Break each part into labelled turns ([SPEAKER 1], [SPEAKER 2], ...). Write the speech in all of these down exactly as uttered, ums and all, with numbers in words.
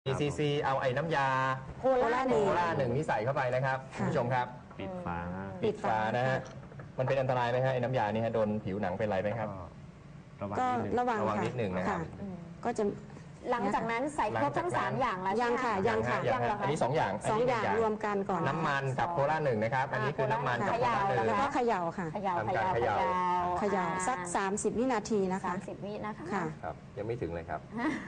[SPEAKER 1] อี ซี ซี เอาไอ้น้ำยา
[SPEAKER 2] โคล่าหนึ่ง
[SPEAKER 1] โคล่าหนึ่งนี่ใส่เข้าไปนะครับคุณผู้ชมครับ
[SPEAKER 3] ปิดฝา
[SPEAKER 1] ปิดฝานะฮะมันเป็นอันตรายไหมฮะไอ้น้ำยานี่ฮะโดนผิวหนังเป็นไรไหมครับ
[SPEAKER 3] ก็ระวัง
[SPEAKER 2] ก็
[SPEAKER 3] นิดนึง
[SPEAKER 2] ระวัง
[SPEAKER 1] ระวังนิดหนึ่งนะครับ
[SPEAKER 2] ก็จะ
[SPEAKER 4] หลังจากนั้นใส่ครบทั้งสามอย่างแล้ว
[SPEAKER 2] ยังค่ะยังค่ะ
[SPEAKER 1] ยังฮะอันนี้สองอย่าง
[SPEAKER 2] สองอย่างรวมกันก่อน
[SPEAKER 1] น้ำมันกับโคล่าหนึ่งนะครับอันนี้คือน้ำมันกับโคล่าหนึ่ง
[SPEAKER 2] แล้วก็เขย่าค่ะ
[SPEAKER 4] เขย่า
[SPEAKER 1] ทำการ
[SPEAKER 4] เขย่า
[SPEAKER 1] เขย่า
[SPEAKER 2] เขย่าสักสามสิบวินาทีนะคะ
[SPEAKER 4] สามสิบวินะคะ
[SPEAKER 2] ค่ะ
[SPEAKER 1] ครับยังไม่ถึงเลยครับ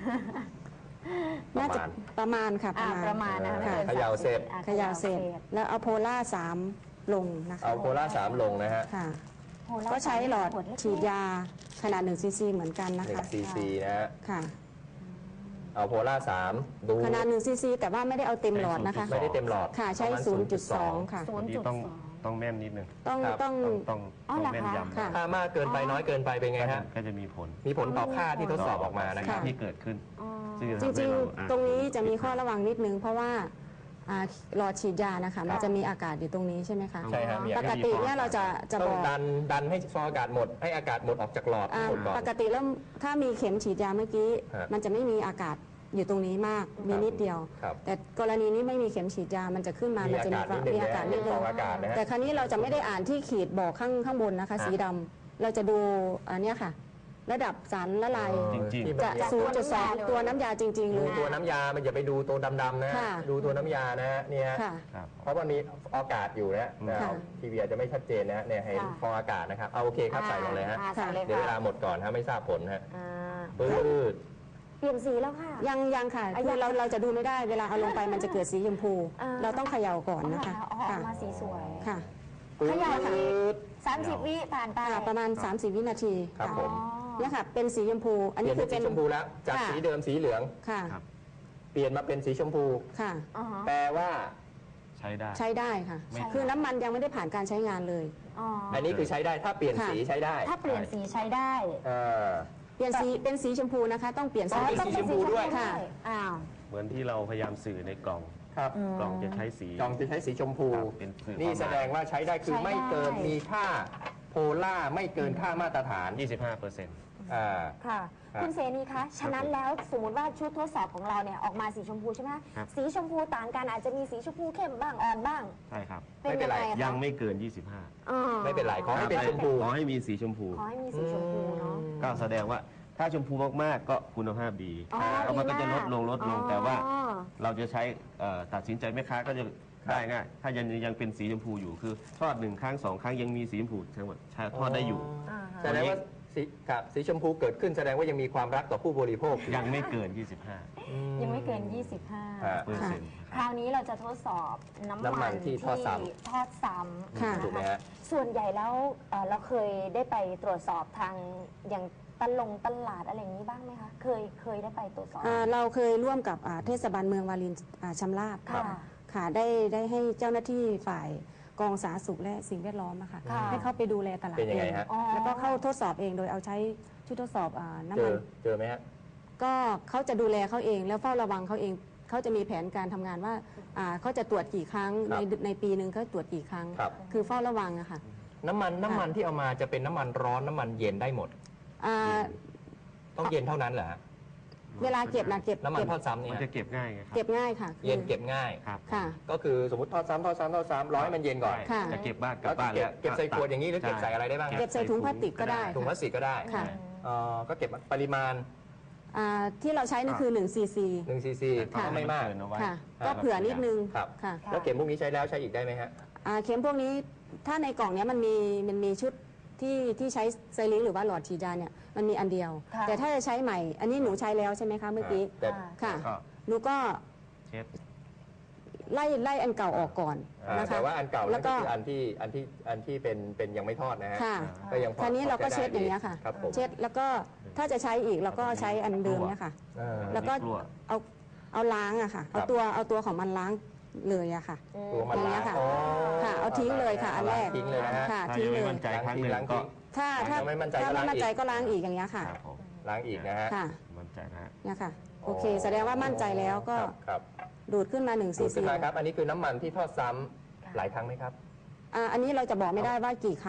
[SPEAKER 2] น่าจะประมาณค่ะ
[SPEAKER 4] อ่าประมาณนะคะ
[SPEAKER 2] ค่ะ
[SPEAKER 4] ไม่กิน
[SPEAKER 1] เขย่าเสร็จ
[SPEAKER 4] อ่ะ
[SPEAKER 2] เขย่าเสร็จแล้วเอาโพล่าสามลงนะคะ
[SPEAKER 1] เอาโคล่าสามลงนะฮะ
[SPEAKER 2] ค่ะ
[SPEAKER 4] โคล่า
[SPEAKER 2] ก็ใช้หลอด
[SPEAKER 4] ขวเล็กๆ
[SPEAKER 2] ฉีดยาขนาดหนึ่งซีซีเหมือนกันนะ
[SPEAKER 1] หนึ่ง
[SPEAKER 2] คะ
[SPEAKER 1] ซีซีนะฮะ
[SPEAKER 2] ค่ะ
[SPEAKER 1] เอาโพล่าสามดู
[SPEAKER 2] ขนาดหนึ่งซีซีแต่ว่าไม่ได้เอาเต็มหลอดนะคะ
[SPEAKER 1] ไม่ได้เต็มหลอด
[SPEAKER 2] ค่ะใช้
[SPEAKER 1] ประมาณ
[SPEAKER 2] ศูนย์จุดสอง ค่ะ
[SPEAKER 4] ศู
[SPEAKER 3] วัน
[SPEAKER 4] นย์
[SPEAKER 3] นี้
[SPEAKER 4] จุด
[SPEAKER 3] ต้อง
[SPEAKER 4] สอง
[SPEAKER 3] ต้องแม่นนิดนึง
[SPEAKER 2] ต้อง
[SPEAKER 1] ครับ
[SPEAKER 2] ต้อง
[SPEAKER 3] ต้องต้อง
[SPEAKER 4] อ๋อ
[SPEAKER 3] ต้อง
[SPEAKER 4] เหรอ
[SPEAKER 3] แม่น
[SPEAKER 4] คะ
[SPEAKER 3] ยำ
[SPEAKER 2] ค่ะ
[SPEAKER 1] ถ้ามากเกินไปน้อยเกินไปเป็นไงฮะ
[SPEAKER 3] ก็จะมีผล
[SPEAKER 1] มีผลต่อค่าที่ทดสอบออกมานะค
[SPEAKER 3] สิ่
[SPEAKER 1] รับ
[SPEAKER 3] งที่เกิดขึ้น
[SPEAKER 4] อ๋อ
[SPEAKER 3] ซึ่จะ
[SPEAKER 2] จ
[SPEAKER 3] ทำให้
[SPEAKER 2] ริง
[SPEAKER 3] เา
[SPEAKER 2] ๆ
[SPEAKER 3] อ่ะ
[SPEAKER 2] ตรงนี้จะมีข้อระวังนิดนึง เพราะว่าอ่าหลอดฉีดยานะคะมันจะมีอากาศอยู่ตรงนี้ใช่ไหมคะ
[SPEAKER 1] ใช่ครับมี
[SPEAKER 2] ปกติเนี่ยเราจะจะ
[SPEAKER 1] ต้
[SPEAKER 2] บ
[SPEAKER 1] อง
[SPEAKER 2] อก
[SPEAKER 1] ดันดันให้ฟองอากาศหมดให้อากาศหมดออกจากหลอด
[SPEAKER 2] อ่า
[SPEAKER 1] หมดก่อน
[SPEAKER 2] ปกติแล้วถ้ามีเข็มฉีดยาเมื่อกี้
[SPEAKER 1] ฮะ
[SPEAKER 2] มันจะไม่มีอากาศอยู่ตรงนี้มากมีนิดเดียว
[SPEAKER 1] ครับ
[SPEAKER 2] แต่กรณีนี้ไม่มีเข็มฉีดยามันจะขึ้นมา
[SPEAKER 1] มี
[SPEAKER 2] มันจะมี
[SPEAKER 1] อากาศนิดนึง
[SPEAKER 2] มีอากาศนิด
[SPEAKER 1] ฟ
[SPEAKER 2] นึ
[SPEAKER 1] อง งอากาศนะฮะ
[SPEAKER 2] แต่ครั้นี้เราจะไม่ได้อ่านที่ขีดบอกข้างข้างบนนะคะ สีดำเราจะดูอันเนี้ยค่ะ ระดับสารละลาย
[SPEAKER 3] จริงๆ
[SPEAKER 1] ที่มัน
[SPEAKER 2] จะ ศูนย์จุดสอง ตัวน้ำยาจริง ๆ เล
[SPEAKER 1] ดู
[SPEAKER 2] ย
[SPEAKER 1] ตัวน้ำยามันอย่าไปดูตัวดำๆนะ
[SPEAKER 2] ค่ะ
[SPEAKER 1] ดูตัวน้ำยานะฮะเนี่ยฮะ
[SPEAKER 2] ค่ะ
[SPEAKER 3] ครับ
[SPEAKER 1] เพราะมันมีอากาศอยู่นะนะ
[SPEAKER 2] ค่ะ
[SPEAKER 1] ทีวีอาจจะไม่ชัดเจนนะฮะเนี่ยให้ฟองอากาศนะครับเอาโอเคครับใส่ลงเลยฮะ
[SPEAKER 4] อ่าใส่เลย
[SPEAKER 1] เดี๋ยวเวลา
[SPEAKER 4] ค่ะ
[SPEAKER 1] หมดก่อนฮะไม่ทราบผลฮะ
[SPEAKER 4] อ่า
[SPEAKER 1] ปื๊ด
[SPEAKER 4] เปลี่ยนสีแล้วค่ะ
[SPEAKER 2] ยังยังค่ะ
[SPEAKER 4] อ่ะ
[SPEAKER 2] คื
[SPEAKER 4] ยั
[SPEAKER 2] อง เราเราจะดูไม่ได้เวลาเอาลงไปมันจะเกิดสีชมพู
[SPEAKER 4] อ่า
[SPEAKER 2] เราต้องเขย่าก่อนนะคะ
[SPEAKER 4] อ๋อออกมาสีสวย
[SPEAKER 2] ค่ะ
[SPEAKER 1] ปื๊ด
[SPEAKER 4] เขย่าค่ะ สามสิบวิผ่านไป
[SPEAKER 2] ค่ะประมาณ สามสิบ วินาที
[SPEAKER 1] ครับผม
[SPEAKER 2] เนี่ยค่ะเป็นสีชมพู อัน
[SPEAKER 1] เปลี่
[SPEAKER 2] นี้
[SPEAKER 1] ยน
[SPEAKER 2] คื
[SPEAKER 1] เป็
[SPEAKER 2] อน
[SPEAKER 1] สี
[SPEAKER 2] เป็น
[SPEAKER 1] ชมพูแล้วจาก
[SPEAKER 2] ค่ะ
[SPEAKER 1] สีเดิมสีเหลือง
[SPEAKER 2] ค่ะ
[SPEAKER 3] ครับ
[SPEAKER 1] เปลี่ยนมาเป็นสีชมพู
[SPEAKER 2] ค่ะ
[SPEAKER 4] อ๋อฮะ
[SPEAKER 1] แปลว่า
[SPEAKER 3] ใช้ได้
[SPEAKER 2] ใช้ได้ค่ะ
[SPEAKER 3] ไม่
[SPEAKER 2] คือน้ำมันยังไม่ได้ผ่านการใช้งานเลย
[SPEAKER 4] อ๋อ
[SPEAKER 1] อันนี้คือใช้ได้ถ้าเปลี่ยน
[SPEAKER 2] ค่ะ
[SPEAKER 1] สีใช้ได้
[SPEAKER 4] ถ้าเปลี่ยนสีใช้ได้
[SPEAKER 1] เออ
[SPEAKER 2] เปลี่ยนสีเป็นสีชมพูนะคะ ต้องเปลี่ยน
[SPEAKER 1] อ๋
[SPEAKER 2] สี
[SPEAKER 1] อ เป็นสีชมพูด้วย
[SPEAKER 2] ค่ะ
[SPEAKER 4] อ้าว
[SPEAKER 3] เหมือนที่เราพยายามสื่อในกล่อง
[SPEAKER 1] ครับ
[SPEAKER 3] กล่องจะใช้สี
[SPEAKER 1] จองจะใช้สีชมพู
[SPEAKER 3] ครับเป็นสื่อ
[SPEAKER 1] นี่
[SPEAKER 3] ความหมาย
[SPEAKER 1] แสดงว่าใช้ได้คือ
[SPEAKER 4] ใช้ได้
[SPEAKER 1] ไม่เกินมีค่าโพล่าไม่เกินค่ามาตรฐาน
[SPEAKER 3] ยี่สิบห้าเปอร์เซ็นต์
[SPEAKER 1] อ่า
[SPEAKER 4] ค่ะ
[SPEAKER 1] ครับ
[SPEAKER 4] คุณเสนีคะ ฉะนั้นแล้วสมมติว่าชุดทดสอบของเราเนี่ยออกมาสีชมพูใช่ไหม
[SPEAKER 3] ครับ
[SPEAKER 4] สีชมพูต่างกันอาจจะมีสีชมพูเข้มบ้างอ่อนบ้าง
[SPEAKER 3] ใช่ครับ
[SPEAKER 4] เป็นยังไงคะ
[SPEAKER 3] ยังไม่เกิน ยี่สิบห้า
[SPEAKER 4] อ๋อ
[SPEAKER 1] ไม่เป็นไรขอให้เป็นชมพู
[SPEAKER 3] ขอให้มีสีชมพู
[SPEAKER 4] ขอให้มีสีชมพูเนาะ
[SPEAKER 3] ก็แสดงว่าถ้าชมพูมากๆก็คุณภาพดี
[SPEAKER 4] อ๋อ
[SPEAKER 3] แล้วมันก็จะลดลงลดลงแต่ว่า
[SPEAKER 4] อ๋อ
[SPEAKER 3] เราจะใช้เอ่อตัดสินใจแม่ค้าก็จะได้ง่ายถ้ายังยังเป็นสีชมพูอยู่คือทอดหนึ่งครั้งสองครั้งยังมีสีชมพูทั้งหมดใช้ทอดได้อยู่
[SPEAKER 4] อ่าฮะ
[SPEAKER 1] แสดงว่าสีครับสีชมพูเกิดขึ้นแสดงว่ายังมีความรักต่อผู้บริโภค
[SPEAKER 3] ยังไม่เกิน ยี่สิบห้า
[SPEAKER 4] ยังไม่เกิน ยี่สิบห้า
[SPEAKER 1] ฮะ
[SPEAKER 3] เปอร์เซ็นต์
[SPEAKER 4] คราวนี้เราจะทดสอบน้ำ
[SPEAKER 1] น้ำมั
[SPEAKER 4] มัน
[SPEAKER 1] นที่ทอดซ้ำ
[SPEAKER 4] ที่ทอดซ้ำ
[SPEAKER 2] ค่ะ
[SPEAKER 4] น
[SPEAKER 1] ถูกไหมฮะ
[SPEAKER 4] ส่วนใหญ่แล้วเอ่อเราเคยได้ไปตรวจสอบทางอย่างตลงตลาดอะไรอย่างนี้บ้างไหมคะ เคยเคยได้ไปตรวจสอบ
[SPEAKER 2] อ่าเราเคยร่วมกับอ่าเทศบาลเมืองวารินอ่าชำราบ
[SPEAKER 4] ค่ะ
[SPEAKER 2] ค่ะได้ได้ให้เจ้าหน้าที่ฝ่ายกองสาธารณสุขและสิ่งแวดล้อมอะค่ะ
[SPEAKER 4] ค่ะ
[SPEAKER 2] ให้เข้าไปดูแลตลาด
[SPEAKER 1] เป็นยังไง
[SPEAKER 2] เอง
[SPEAKER 1] ฮะ
[SPEAKER 4] อ๋อ
[SPEAKER 2] แล้วก็เข้าทดสอบเองโดยเอาใช้ชุดทดสอบอาน้ำ
[SPEAKER 1] เจ
[SPEAKER 2] มั
[SPEAKER 1] อน เจอไหมฮะ
[SPEAKER 2] ก็เขาจะดูแลเขาเองแล้วเฝ้าระวังเขาเองเขาจะมีแผนการทำงานว่าอ่าเขาจะตรวจกี่ครั้ง
[SPEAKER 1] ครั
[SPEAKER 2] ใน
[SPEAKER 1] บ
[SPEAKER 2] ในปีหนึ่งเขาตรวจกี่ครั้ง
[SPEAKER 1] ครับ
[SPEAKER 2] คือเฝ้าระวังอะค่ะ
[SPEAKER 1] น้ำมันน้ำมันที่เอามาจะเป็นน้ำมันร้อนน้ำมันเย็นได้หมด
[SPEAKER 2] อ่า
[SPEAKER 1] ต้องเย็นเท่านั้นเหรอฮะ
[SPEAKER 2] เวลาเก็บนะเก็บ
[SPEAKER 1] น้ำมัน
[SPEAKER 2] เก็บ
[SPEAKER 1] ทอดซ้ำเนี่ย
[SPEAKER 3] มันจะเก็บง่ายไงครับ
[SPEAKER 2] เก็บง่ายค่ะคือ
[SPEAKER 1] เย็นเก็บง่าย
[SPEAKER 3] ครับ
[SPEAKER 2] ค่ะ
[SPEAKER 1] ก็คือสมมติทอดซ้ำทอดซ้ำทอดซ้ำร้อยมันเย็นก่อน
[SPEAKER 2] ค่ะ
[SPEAKER 3] จะเก็บบ้านกลั
[SPEAKER 1] แล้
[SPEAKER 3] บ
[SPEAKER 1] ว
[SPEAKER 3] บ้าน
[SPEAKER 1] เก็บ
[SPEAKER 3] แล้ว
[SPEAKER 1] เก็บใส่ขวดอย่างนี้หรือเก็บใส่อะไรได้บ้าง
[SPEAKER 2] เก็บใส่ถุงพลาสติกก็ได้
[SPEAKER 1] ถุงพลาสติกก็ได้
[SPEAKER 2] ค่ะ
[SPEAKER 1] เอ่อก็เก็บปริมาณ
[SPEAKER 2] อ่าที่เราใช้นี่คือ1ซีซี
[SPEAKER 1] หนึ่งซีซี
[SPEAKER 2] ค่ะ
[SPEAKER 1] ก็ไม่มาก
[SPEAKER 3] เกินเอาไว้
[SPEAKER 2] ค่ะ
[SPEAKER 1] ครับ
[SPEAKER 2] ก็เผื่อนิดนึง
[SPEAKER 1] ครับ
[SPEAKER 2] ค่ะ
[SPEAKER 1] แล้วเข็มพวกนี้ใช้แล้วใช้อีกได้ไหมฮะ
[SPEAKER 2] อ่าเข็มพวกนี้ถ้าในกล่องเนี้ยมันมีมันมีชุดที่ที่ใช้ไซริงหรือว่าหลอดฉีดยาเนี่ยมันมีอันเดียว
[SPEAKER 4] ค่ะ
[SPEAKER 2] แต่ถ้าจะใช้ใหม่ อันนี้หนูใช้แล้วใช่ไหมคะเมื่อกี้
[SPEAKER 1] แต่
[SPEAKER 2] ค่ะ
[SPEAKER 3] ก็
[SPEAKER 2] หนูก็
[SPEAKER 3] เช็ด
[SPEAKER 2] ไล่ไล่อันเก่าออกก่อน
[SPEAKER 1] อ่า
[SPEAKER 2] นะคะ
[SPEAKER 1] แต่ว่าอันเก่า
[SPEAKER 2] แล้
[SPEAKER 1] นั่
[SPEAKER 2] วน ก็
[SPEAKER 1] ก็คืออันที่อันที่อันที่เป็นเป็นยังไม่ทอดนะฮะ
[SPEAKER 2] ค่ะ
[SPEAKER 1] ก็ยังพอ
[SPEAKER 2] คราวนี้เราก็
[SPEAKER 1] พอ
[SPEAKER 2] เช็ดอย่างเงี้ยค่ะ
[SPEAKER 1] ครับผม
[SPEAKER 2] เช็ดแล้วก็ถ้าจะใช้อีกเราก็ใช้อันเดิมเนี่ยค่ะ
[SPEAKER 1] เออ
[SPEAKER 2] แล้วก็
[SPEAKER 3] กลัว
[SPEAKER 2] เอาเอาล้างอะค่ะ
[SPEAKER 1] ครั
[SPEAKER 2] เอา
[SPEAKER 1] บ
[SPEAKER 2] ตัวเอาตัวของมันล้างเลยอะค่ะ
[SPEAKER 1] ตัวมัน
[SPEAKER 2] อย่างเงี้
[SPEAKER 1] ล้าง
[SPEAKER 2] ยค่ะ
[SPEAKER 1] อ๋อ
[SPEAKER 2] ค่ะเอาทิ้งเลยค่ะอันแรก
[SPEAKER 1] ทิ้งเลยนะฮะ
[SPEAKER 2] ค่ะ
[SPEAKER 3] ถ้า
[SPEAKER 2] ทิ้ง
[SPEAKER 3] ยัง
[SPEAKER 2] เล
[SPEAKER 3] ไม่
[SPEAKER 2] ย
[SPEAKER 3] มั่นใจครั้งหนึ่ง
[SPEAKER 1] ล้างทิ้
[SPEAKER 3] ก็
[SPEAKER 1] ง
[SPEAKER 2] ถ้าถ้า
[SPEAKER 1] ยังไม่มั่นใจ
[SPEAKER 2] ถ้า
[SPEAKER 1] ก็
[SPEAKER 2] ไม่
[SPEAKER 1] ล้าง
[SPEAKER 2] มั่นใจ
[SPEAKER 1] อีก
[SPEAKER 2] ก็ล้างอีกอย่างเงี้ยค่ะ
[SPEAKER 3] ครับผม
[SPEAKER 1] ล้างอีกนะฮะ
[SPEAKER 2] ค่ะ
[SPEAKER 3] มั่นใจนะฮะ
[SPEAKER 2] เนี่ยค่ะโอเค แสดงว่ามั่นใจแล้วก็
[SPEAKER 1] ครับครับ
[SPEAKER 2] ดูดขึ้นมา1ซี
[SPEAKER 1] ดูด
[SPEAKER 2] ซี
[SPEAKER 1] ขึ้นมาครับ อันนี้คือน้ำมันที่ทอดซ้ำหลายครั้งไหมครับ
[SPEAKER 2] อ่าอันนี้เราจะบอกไม่ได้ว่ากี่ครั้ง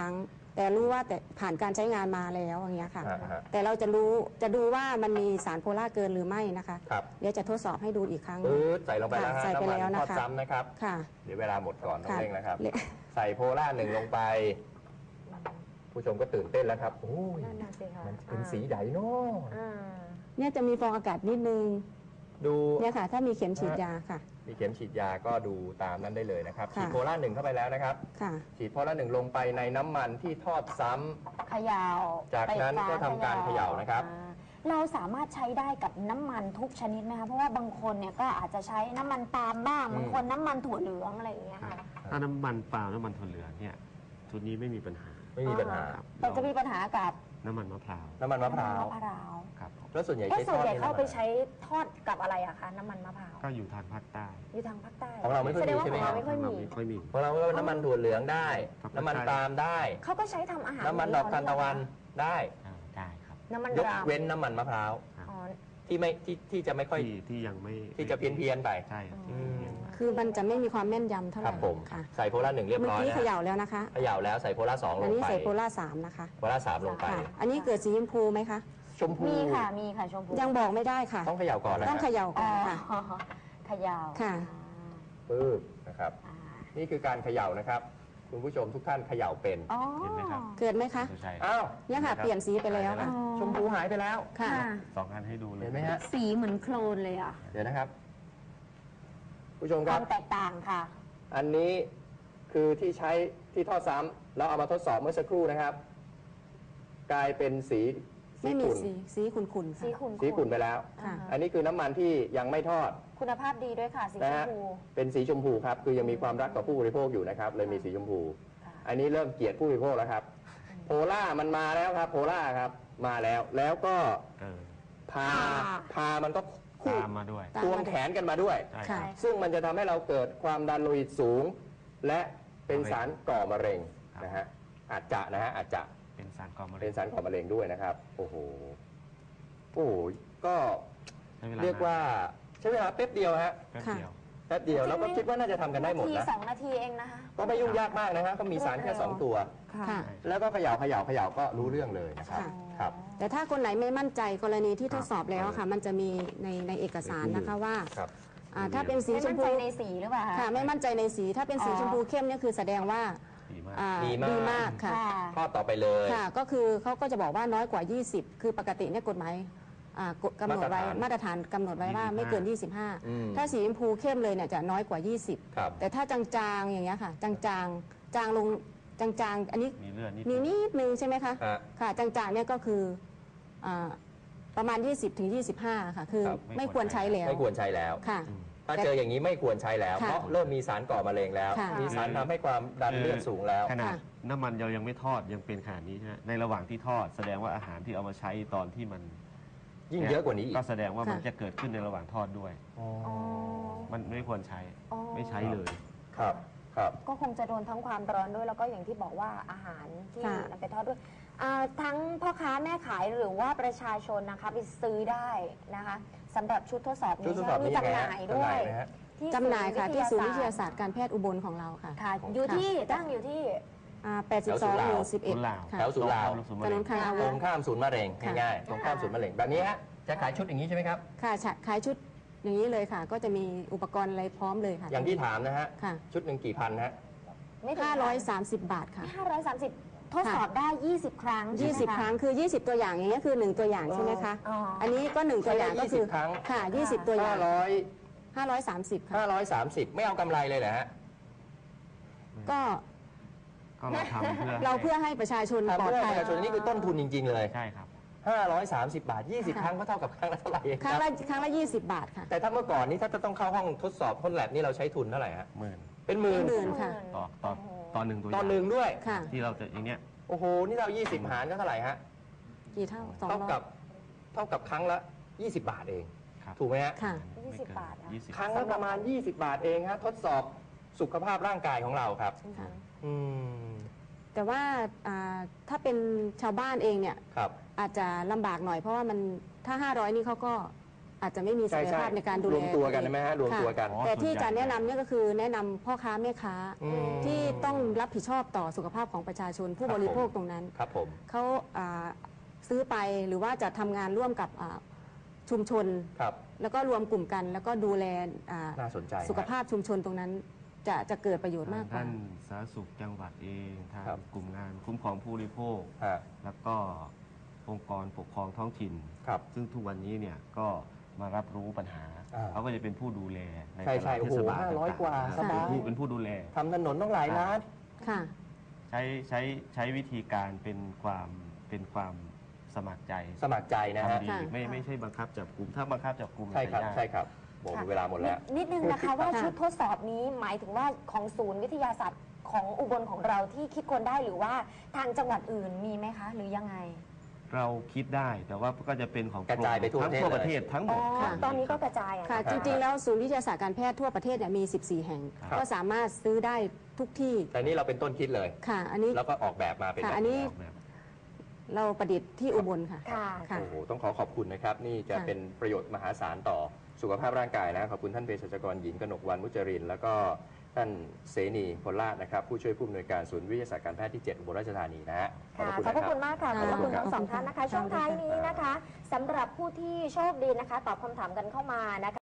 [SPEAKER 2] แต่รู้ว่าแต่ผ่านการใช้งานมาแล้วอย่างเงี้ยค่ะ
[SPEAKER 1] อ่าฮะ
[SPEAKER 2] แต่เราจะรู้จะดูว่ามันมีสารโพล่าเกินหรือไม่นะคะ
[SPEAKER 1] ครับ
[SPEAKER 2] เดี๋ยวจะทดสอบให้ดูอีกครั้ง
[SPEAKER 1] ปื๊ดใส่ลงไปแล้วฮะ
[SPEAKER 2] ค่ะใส่ไป
[SPEAKER 1] น้ำมัน
[SPEAKER 2] แล้ว
[SPEAKER 1] ท
[SPEAKER 2] นะ
[SPEAKER 1] อด
[SPEAKER 2] คะ
[SPEAKER 1] ซ้ำนะครับ
[SPEAKER 2] ค่ะ
[SPEAKER 1] เดี๋ยวเวลาหมดก่อนต้อง
[SPEAKER 2] ค่ะ
[SPEAKER 1] เร่งนะครับ
[SPEAKER 2] เละ
[SPEAKER 1] ใส่โพล่าหนึ่งลงไป ผู้ชมก็ตื่นเต้นแล้วครับโอ้ย
[SPEAKER 4] นั่นน่ะสิคะ
[SPEAKER 1] มันเป็นสีใหญ่เนาะ
[SPEAKER 4] อ่า
[SPEAKER 2] เนี่ยจะมีฟองอากาศนิดนึง
[SPEAKER 1] ดู
[SPEAKER 2] เนี่ยค่ะ ถ้ามีเข็มฉีดยาค่ะ
[SPEAKER 1] มีเข็มฉีดยาก็ดูตามนั้นได้เลยนะครับ
[SPEAKER 2] ค่ะ
[SPEAKER 1] ฉีดโพล่าหนึ่งเข้าไปแล้วนะครับ
[SPEAKER 2] ค่ะ
[SPEAKER 1] ฉีดโพล่าหนึ่งลงไปในน้ำมันที่ทอดซ้ำ
[SPEAKER 4] เขยาว
[SPEAKER 1] จากนั้นก็ทำการเขย่านะครับ
[SPEAKER 4] อ่าเราสามารถใช้ได้กับน้ำมันทุกชนิดไหมคะเพราะว่าบางคนเนี่ยก็อาจจะใช้น้ำมันปาล์มบ้าง
[SPEAKER 1] อืม
[SPEAKER 4] บางคนน้ำมันถั่วเหลืองอะไรอย่างเงี้ยค่ะ
[SPEAKER 3] ถ้าน้ำมันปาล์มน้ำมันถั่วเหลืองเนี่ยชุดนี้ไม่มีปัญหา
[SPEAKER 1] ไม่มีปัญหา
[SPEAKER 3] ครับ
[SPEAKER 4] แต่จะมีปัญหากับ
[SPEAKER 3] น้ำมันมะพร้าว
[SPEAKER 1] น้ำมันมะพร้าว
[SPEAKER 4] มะพร้าว
[SPEAKER 3] ครับผม
[SPEAKER 1] แล้วส่วนใหญ่
[SPEAKER 4] เอ๊ะ
[SPEAKER 1] ใช้ท
[SPEAKER 4] ส่วน
[SPEAKER 1] อด
[SPEAKER 4] ใหญ่
[SPEAKER 1] นี่
[SPEAKER 4] เขา
[SPEAKER 1] น้ำ
[SPEAKER 4] ไป
[SPEAKER 1] มัน
[SPEAKER 4] ใช้ทอดกับอะไรอะคะน้ำมันมะพร้าว
[SPEAKER 3] ก็อยู่ทางภาคใต้
[SPEAKER 4] อยู่ทางภาคใต้
[SPEAKER 1] ของเราไม่ค่อย
[SPEAKER 4] แสด
[SPEAKER 1] มี
[SPEAKER 4] งว่า
[SPEAKER 1] ใช่ไหม
[SPEAKER 4] ของ
[SPEAKER 1] ครั
[SPEAKER 4] เรา
[SPEAKER 1] บ
[SPEAKER 4] ไม่ค่อย
[SPEAKER 3] เรา
[SPEAKER 4] มี
[SPEAKER 3] ไม่ค่อยมี
[SPEAKER 1] ของเราก็น้ำมันถั่วเหลืองได้
[SPEAKER 3] ครับ
[SPEAKER 1] น้ำมันปาล์มได้
[SPEAKER 4] เขาก็ใช้ทำอาหาร
[SPEAKER 1] น้ำมันดอกทานตะวันได้
[SPEAKER 3] อ่าได้ครับ
[SPEAKER 4] น้ำมัน
[SPEAKER 1] ยก
[SPEAKER 4] ราม
[SPEAKER 1] เว้นน้ำมันมะพร้าว
[SPEAKER 4] อ๋อ
[SPEAKER 1] ที่ไม่ที่ที่จะไม่ค่อย
[SPEAKER 3] ที่ที่ยังไม่
[SPEAKER 1] ที่จะเพี้ยนเพียนๆไป
[SPEAKER 3] ใช่ครับ
[SPEAKER 1] อืม
[SPEAKER 2] คือมันจะไม่มีความแม่นยำเท่าไห
[SPEAKER 1] ค
[SPEAKER 2] ร่
[SPEAKER 1] รับผม
[SPEAKER 2] ค่ะ
[SPEAKER 1] ใส่โพล่าหนึ่งเรียบ
[SPEAKER 2] เมื่อ
[SPEAKER 1] ร้อย
[SPEAKER 2] กี้
[SPEAKER 1] นะ
[SPEAKER 2] เขย่าแล้วนะคะ
[SPEAKER 1] เขย่าแล้วใส่โพล่าสองล
[SPEAKER 2] อัน
[SPEAKER 1] ง
[SPEAKER 2] นี้
[SPEAKER 1] ไป
[SPEAKER 2] ใส่โพล่าสามนะคะ
[SPEAKER 1] โพล่าสามลงไป
[SPEAKER 2] ค่ะ อันนี้เกิดสีชมพูไหมคะ
[SPEAKER 1] ชมพู
[SPEAKER 4] มีค่ะมีค่ะชมพู
[SPEAKER 2] ยังบอกไม่ได้ค่ะ
[SPEAKER 1] ต้องเขย่าก่อนนะ
[SPEAKER 2] ต้องเขย่าก่
[SPEAKER 4] อ๋
[SPEAKER 2] อ
[SPEAKER 4] อน
[SPEAKER 2] ค่ะ
[SPEAKER 4] เขยาว
[SPEAKER 2] ค่ะ
[SPEAKER 1] ปึ๊บนะครับ
[SPEAKER 4] อ่า
[SPEAKER 1] นี่คือการเขย่านะครับ คุณผู้ชมทุกท่านเขย่าเป็น
[SPEAKER 4] อ๋อ
[SPEAKER 3] เห็นไหมครับ
[SPEAKER 2] เกิดไหมคะ
[SPEAKER 3] สุชัย
[SPEAKER 1] อ้าว
[SPEAKER 2] เนี่ยค่ะ เปลี่ยนสีไปแล้วค่ะ
[SPEAKER 1] ชมพูหายไปแล้ว
[SPEAKER 2] ค่ะ
[SPEAKER 3] สองอันให้ดูเลย
[SPEAKER 1] เห็นไหมฮะ
[SPEAKER 4] สีเหมือนโคลนเลยอ่ะ
[SPEAKER 1] เดี๋ยวนะครับ ผู้ชม
[SPEAKER 4] ค
[SPEAKER 1] ครั
[SPEAKER 4] วา
[SPEAKER 1] บ
[SPEAKER 4] มแตกต่างค่ะ
[SPEAKER 1] อันนี้คือที่ใช้ที่ทอดซ้ำแล้วเอามาทดสอบเมื่อสักครู่นะครับ กลายเป็นสีสี
[SPEAKER 2] ไม่มี
[SPEAKER 1] ขุ่น
[SPEAKER 2] สีสีขุ่นๆ
[SPEAKER 4] สี
[SPEAKER 2] ค่ะ
[SPEAKER 4] ขุ่น
[SPEAKER 1] สีขุ่นไปแล้ว
[SPEAKER 2] ค่ะ
[SPEAKER 1] อันนี้คือน้ำมันที่ยังไม่ทอด
[SPEAKER 4] คุณภาพดีด้วยค่ะ สีช
[SPEAKER 1] นะ
[SPEAKER 4] ม
[SPEAKER 1] ฮะ
[SPEAKER 4] พู
[SPEAKER 1] เป็นสีชมพูครับ คือยังมีความรักกับผู้บริโภคอยู่นะครับ เลยมีสีชมพู
[SPEAKER 4] ค่ะ
[SPEAKER 1] อันนี้เริ่มเกลียดผู้บริโภคแล้วครับ โพล่ามันมาแล้วครับ โพล่าครับ มาแล้ว แล้วก็
[SPEAKER 3] เออ
[SPEAKER 1] พา พามันก็คู่
[SPEAKER 3] ตามมาด้วย
[SPEAKER 2] ตาม
[SPEAKER 1] ควงแขนกันมาด้วย
[SPEAKER 3] ใช่ค
[SPEAKER 2] ค่ะ
[SPEAKER 3] รับ
[SPEAKER 1] ซึ่งมันจะทำให้เราเกิดความดันโลหิตสูง และเป็นสารก่อมะเร็ง
[SPEAKER 3] ครับ
[SPEAKER 1] นะฮะ อาจจะนะฮะ อาจจะ
[SPEAKER 3] เป็นสารก่อมะเร็
[SPEAKER 1] เป็
[SPEAKER 3] ง
[SPEAKER 1] นสารก่อมะเร็งด้วยนะครับ โอ้โห โอ้โห ก็
[SPEAKER 3] ใช้เวลา
[SPEAKER 1] เรียกว่าใช้เวลาแป๊บเดียวฮะ
[SPEAKER 3] แป๊บเดียว
[SPEAKER 1] แป๊บเดียวแล้วก็คิดว่าน่าจะทำกันได้หมด
[SPEAKER 4] นาที
[SPEAKER 1] นะ
[SPEAKER 4] สองนาทีเองนะคะ
[SPEAKER 1] ก็ไม่ยุ่งยากมากนะฮะก็มีสารแค่สองตัว
[SPEAKER 2] ค่ะ
[SPEAKER 1] แล้วก็เขย่าเขย่าเขย่าก็รู้เรื่องเลยนะครับ
[SPEAKER 2] ค่ะ
[SPEAKER 1] ครับ
[SPEAKER 2] แต่ถ้าคนไหนไม่มั่นใจกรณีที่
[SPEAKER 3] ค
[SPEAKER 2] ท
[SPEAKER 3] รับ
[SPEAKER 2] ดสอบแล้วอะค่ะ มันจะมีในในเอกสารนะคะว่า
[SPEAKER 1] ครับ
[SPEAKER 2] อ่าถ้าเป็นสี
[SPEAKER 4] ไม่
[SPEAKER 2] ช
[SPEAKER 4] มั่
[SPEAKER 2] ม
[SPEAKER 4] นใจ
[SPEAKER 2] พู
[SPEAKER 4] ในสีหรือเปล่าคะ
[SPEAKER 2] ค่ะ ไม่มั่นใจในสี ถ้าเป็นสี
[SPEAKER 4] อ๋อ
[SPEAKER 2] ชมพูเข้มเนี่ยคือแสดงว่า
[SPEAKER 3] ดีมาก
[SPEAKER 2] อ่า
[SPEAKER 1] ดีมาก
[SPEAKER 2] ดีมากค่ะ
[SPEAKER 4] ค่ะ
[SPEAKER 1] ข้อต่อไปเลย
[SPEAKER 2] ค่ะ ก็คือเขาก็จะบอกว่าน้อยกว่า ยี่สิบ คือปกติเนี่ยกฎหมายอ่ากฎกำหนดไว้
[SPEAKER 1] มา
[SPEAKER 2] มา
[SPEAKER 1] ต
[SPEAKER 2] ต
[SPEAKER 1] ร
[SPEAKER 2] ร
[SPEAKER 1] ฐา
[SPEAKER 2] ฐาน นกำหนดไว้ว่าไม่เกิน ยี่สิบห้า
[SPEAKER 1] อืม
[SPEAKER 2] ถ้าสีชมพูเข้มเลยเนี่ยจะน้อยกว่า ยี่สิบ
[SPEAKER 1] ครับ
[SPEAKER 2] แต่ถ้าจางๆอย่างเงี้ยค่ะ จางๆ จางลง จางๆ อันนี้
[SPEAKER 3] มีเลือดนิด
[SPEAKER 2] มีนิดนึงใช่ไหมคะ
[SPEAKER 1] ฮะ
[SPEAKER 2] ค่ะ จางๆ เนี่ยก็คืออ่าประมาณ ยี่สิบถึงยี่สิบห้า ค่ะ คือ
[SPEAKER 1] ครับ
[SPEAKER 2] ไม่ควรใช้แล้ว
[SPEAKER 1] ไม่ควรใช้แล้ว
[SPEAKER 2] ค่ะ
[SPEAKER 1] ถ้าเจออย่างนี้ไม่ควรใช้แล้ว
[SPEAKER 2] ค่ะ
[SPEAKER 1] เพราะเริ่มมีสารก่อมะเร็งแล้ว
[SPEAKER 2] ค่ะ
[SPEAKER 1] มีสารทำให้ความดันเลือดสูงแล้ว
[SPEAKER 3] ขนาด
[SPEAKER 2] ค่ะ
[SPEAKER 3] น้ำมันเรายังไม่ทอดยังเป็นขนาดนี้ใช่ไหมในระหว่างที่ทอด แสดงว่าอาหารที่เอามาใช้ตอนที่มัน
[SPEAKER 1] ยิ่งเยอะกว่านี้อีก
[SPEAKER 3] ก็แสดงว่ามัน
[SPEAKER 2] ค่ะ
[SPEAKER 3] จะเกิดขึ้นในระหว่างทอดด้วย
[SPEAKER 1] อ๋อ
[SPEAKER 4] อ๋อ
[SPEAKER 3] มันไม่ควรใช้
[SPEAKER 4] อ๋อ
[SPEAKER 3] ไม่ใช้เลย
[SPEAKER 1] ครับ ครับ
[SPEAKER 4] ก็คงจะโดนทั้งความร้อนด้วยแล้วก็อย่างที่บอกว่าอาหารที่
[SPEAKER 2] ค่ะ
[SPEAKER 4] นำไปทอดด้วยอ่าทั้งพ่อค้าแม่ขายหรือว่าประชาชนนะคะไปซื้อได้นะคะสำหรับชุดทดสอบ
[SPEAKER 1] ชุด
[SPEAKER 4] นี้
[SPEAKER 1] ทดสอบ
[SPEAKER 4] มี
[SPEAKER 1] นี้ยัง
[SPEAKER 4] จำ
[SPEAKER 1] ไง
[SPEAKER 4] ห
[SPEAKER 1] ฮะ
[SPEAKER 4] น่าย
[SPEAKER 1] จำ
[SPEAKER 4] ด้
[SPEAKER 1] ห
[SPEAKER 4] ว
[SPEAKER 1] น่าย ยไหมฮะ
[SPEAKER 4] ที่
[SPEAKER 2] จำหน่ายค่ะที่ศูนย์วิทยา
[SPEAKER 4] ศา
[SPEAKER 2] ศา
[SPEAKER 4] ส
[SPEAKER 2] ส
[SPEAKER 4] ต
[SPEAKER 2] ต
[SPEAKER 4] ร์
[SPEAKER 2] ร์การแพทย์อุบลของเราค่ะ
[SPEAKER 4] ค่ะ อยู่ที่
[SPEAKER 2] ค่ะ
[SPEAKER 4] ตั้งอยู่ที่
[SPEAKER 2] อ่าแปดสิบสองหมู่สิบเอ็ด
[SPEAKER 3] ศูนย์ลาว
[SPEAKER 2] ค่ะ
[SPEAKER 1] แถวศูนย์ลาว
[SPEAKER 3] ศูนย์
[SPEAKER 2] ถ
[SPEAKER 3] มะ
[SPEAKER 2] น
[SPEAKER 3] เร็
[SPEAKER 2] น
[SPEAKER 3] ง
[SPEAKER 2] คลังอา
[SPEAKER 1] ต
[SPEAKER 2] วุ
[SPEAKER 1] ร
[SPEAKER 2] ธ
[SPEAKER 1] งข้ามศูนย์มะเร็ง
[SPEAKER 2] ค่ะ
[SPEAKER 1] ง่ายๆตรงข้ามศูนย์มะเร็งแบบนี้ฮะจะขายชุดอย่างนี้ใช่ไหมครับ
[SPEAKER 2] ค่ะฉะขายชุดอย่างนี้เลยค่ะ ก็จะมีอุปกรณ์อะไรพร้อมเลยค่ะ
[SPEAKER 1] อย่างที่ถามนะฮะ
[SPEAKER 2] ค่ะ
[SPEAKER 1] ชุดหนึ่งกี่พันฮะ
[SPEAKER 4] ไม่ถึง
[SPEAKER 2] ห้าร้อยสามสิบบาทค่ะ
[SPEAKER 4] ห้าร้อยสามสิบทดสอบได้ ยี่สิบ ครั้ง
[SPEAKER 2] ยี่สิบ
[SPEAKER 4] ใช่ไหมะ
[SPEAKER 2] ครั้งคือ ยี่สิบ ตัวอย่างอย่างเงี้ยคือหนึ่งตัวอย่างใช่ไหมคะ
[SPEAKER 4] อ๋ออั
[SPEAKER 2] อันนี้ก็หนึ่งตัวอย่างก็คือ
[SPEAKER 1] ยี่สิบครั้ง
[SPEAKER 2] ค่ะ ยี่สิบ ตัวอย่าง
[SPEAKER 1] ห้าร้อย
[SPEAKER 2] ห้าร้อยสามสิบค่ะ
[SPEAKER 1] ห้าร้อยสามสิบไม่เอากำไรเลยเหรอฮะ
[SPEAKER 2] ก็
[SPEAKER 3] ก็เราทำเพื่อ
[SPEAKER 2] เราเพื่อให้ประชาชน
[SPEAKER 1] ทำ
[SPEAKER 2] ปลอด
[SPEAKER 1] เพื่อ
[SPEAKER 2] ภั
[SPEAKER 1] ป
[SPEAKER 2] ย
[SPEAKER 1] ระชาชนนี่คือต้นทุนจริง ๆ เลย
[SPEAKER 3] ใช่ครับ
[SPEAKER 1] ห้าร้อยสามสิบบาท ยี่สิบ
[SPEAKER 2] ค่ะ
[SPEAKER 1] ครั้งก็เท่ากับครั้งละเท่าไหร่เอง
[SPEAKER 2] ครั้ง
[SPEAKER 1] ค
[SPEAKER 2] ละ
[SPEAKER 1] รับ
[SPEAKER 2] ครั้งละยี่สิบบาทค่ะ
[SPEAKER 1] แต่ถ้าเมื่อก่อนนี้ถ้าจะต้องเข้าห้องทดสอบห้องแลบนี่เราใช้ทุนเท่าไหร่ฮะ
[SPEAKER 3] หมื่น
[SPEAKER 1] เป็นหมื่น
[SPEAKER 2] เป็นหมื่น ค่ะ
[SPEAKER 3] ต่อต่อต่อหนึ่งตัวอ
[SPEAKER 1] ตอน
[SPEAKER 3] ย่าง
[SPEAKER 1] หนึ่งด้วย
[SPEAKER 2] ค่ะ
[SPEAKER 3] ที่เราจะอย่างเนี้ย
[SPEAKER 1] โอ้โห นี่เรา ยี่สิบ หารก็เท่าไหร่ฮะ
[SPEAKER 2] กี่เท่าสอง
[SPEAKER 1] เท่า
[SPEAKER 2] ร้อ
[SPEAKER 1] กั
[SPEAKER 2] ย
[SPEAKER 1] บ เท่ากับครั้งละ ยี่สิบบาทเอง
[SPEAKER 3] ครับ
[SPEAKER 1] ถูกไหมฮะ
[SPEAKER 2] ค่ะ
[SPEAKER 3] ไม่เกิน
[SPEAKER 4] ยี่สิบบาทอะ
[SPEAKER 3] ยี่สิบ
[SPEAKER 1] ครั้งละประมาณ ยี่สิบบาทเองฮะ ทดสอบสุขภาพร่างกายของเราครับ
[SPEAKER 2] ค่ะ
[SPEAKER 1] อืม
[SPEAKER 2] แต่ว่าอ่าถ้าเป็นชาวบ้านเองเนี่ย
[SPEAKER 1] ครับ
[SPEAKER 2] อาจจะลำบากหน่อยเพราะว่ามันถ้า ห้าร้อยนี่เขาก็อาจจะไม่มีศักยภาพในการดูแล
[SPEAKER 1] รวมตัวกันได้ไหมฮะรวม
[SPEAKER 2] ค่ะ
[SPEAKER 1] ตัวกัน
[SPEAKER 3] อ๋อ
[SPEAKER 2] แต่ที่
[SPEAKER 3] ส่วนใหญ่
[SPEAKER 2] จะแนะนำเนี่ยก็คือแนะนำพ่อค้าแม่ค้า
[SPEAKER 1] อืม
[SPEAKER 2] ที่ต้องรับผิดชอบต่อสุขภาพของประชาชนผู้
[SPEAKER 1] ครับ
[SPEAKER 2] บริโภค
[SPEAKER 1] ผม
[SPEAKER 2] ตรงนั้น
[SPEAKER 1] ครับผม
[SPEAKER 2] เขาอ่าซื้อไปหรือว่าจะทำงานร่วมกับอ่าชุมชน
[SPEAKER 1] ครับ
[SPEAKER 2] แล้วก็รวมกลุ่มกัน แล้วก็ดูแลอ่า
[SPEAKER 1] น่าสนใจ
[SPEAKER 2] สุขภาพชุมชนตรงนั้น จะจะเกิดประโยชน์มากกว่า
[SPEAKER 3] ท่านสาธารณสุขจังหวัดเองทาง
[SPEAKER 1] ครับ
[SPEAKER 3] กลุ่มงานคุ้มครองผู้บริโภค
[SPEAKER 1] ฮะ
[SPEAKER 3] แล้วก็องค์กรปกครองท้องถิ่น
[SPEAKER 1] ครับ
[SPEAKER 3] ซึ่งทุกวันนี้เนี่ยก็มารับรู้ปัญหา
[SPEAKER 1] อ่า
[SPEAKER 3] เขาก็จะเป็นผู้ดูแลใน
[SPEAKER 1] ใช่ใช่
[SPEAKER 3] แต่ละเทศบาล
[SPEAKER 1] โอ้โหห้าร้อย
[SPEAKER 3] ต่งๆ
[SPEAKER 1] กว่า
[SPEAKER 3] นะครับ
[SPEAKER 1] สบาย
[SPEAKER 3] เป็นผู้เป็นผู้ดูแล
[SPEAKER 1] ทำถนนต้องหลายล้าน
[SPEAKER 2] ค่ะ
[SPEAKER 3] ใช้ใช้ใช้วิธีการเป็นความเป็นความสมัครใจ
[SPEAKER 1] สมัครใจนะฮะ
[SPEAKER 3] ทำดี
[SPEAKER 2] ค่ะ
[SPEAKER 3] ไม่ไม่ใช่บังคับจับกลุ่มถ้าบังคับจับกลุ่ม
[SPEAKER 1] ใช่ครับ
[SPEAKER 3] จะยาก
[SPEAKER 1] ใช่ครับหมด
[SPEAKER 4] ค่ะ
[SPEAKER 1] เวลาหมดแล้ว
[SPEAKER 4] นิดนึงนะคะว่า
[SPEAKER 2] ค่ะ
[SPEAKER 4] ชุดทดสอบนี้หมายถึงว่าของศูนย์วิทยาศาสตร์ของอุบลของเราที่คิดคนได้หรือว่าทางจังหวัดอื่นมีไหมคะ หรือยังไง
[SPEAKER 3] เราคิดได้แต่ว่าก็จะเป็นของ
[SPEAKER 1] กระจายไปทั่ว
[SPEAKER 3] ทั้ง
[SPEAKER 1] ประเทศ
[SPEAKER 3] ทั่วประเทศทั้งหม
[SPEAKER 4] อ๋อ
[SPEAKER 3] ด
[SPEAKER 2] ค่ะ
[SPEAKER 4] ตอนนี้ก็กระจายอะ
[SPEAKER 2] ค่ะ
[SPEAKER 4] นะ
[SPEAKER 2] จริงๆ แล้วศูนย์วิทยาศาสตร์การแพทย์ทั่วประเทศเนี่ยมี สิบสี่ แห่ง
[SPEAKER 1] ครับ
[SPEAKER 2] ก็สามารถซื้อได้ทุกที่
[SPEAKER 1] แต่นี่เราเป็นต้นคิดเลย
[SPEAKER 2] ค่ะ อันนี้
[SPEAKER 1] แล้วก็ออกแบบมาเป็น
[SPEAKER 2] ค่ะ
[SPEAKER 1] แบบ
[SPEAKER 2] อันนี้
[SPEAKER 1] นี้
[SPEAKER 3] ออกแบบ
[SPEAKER 2] เราประดิษฐ์ที่อุบลค่ะ
[SPEAKER 4] ค่ะ
[SPEAKER 2] ค่ะ
[SPEAKER 1] โอ้โหต้องขอขอบคุณนะครับ นี่จะ
[SPEAKER 2] ค่ะ
[SPEAKER 1] เป็นประโยชน์มหาศาลต่อสุขภาพร่างกายนะขอบคุณท่านเภสัชกรหญิงกนกวรรณมุจรินทร์แล้วก็ท่านเสนีพลลาภนะครับผู้ช่วยผู้อำนวยการศูนย์วิทยาศาสตร์การแพทย์ที่ เจ็ด อุบลราชธานีนะฮะ
[SPEAKER 4] ค่ะ
[SPEAKER 1] ขอบ
[SPEAKER 4] ขอบพระ
[SPEAKER 1] คุ
[SPEAKER 4] คุณ ณ
[SPEAKER 1] นะครับ
[SPEAKER 4] มากค่ะ ข
[SPEAKER 2] ค่ะ
[SPEAKER 4] อบพระคุณ
[SPEAKER 1] ขอบคุณครับ
[SPEAKER 4] ทั้งสองท่านนะคะ ช่วงท้ายนี้นะคะสำหรับผู้ที่โชคดีนะคะ ตอบคำถามกันเข้ามานะคะ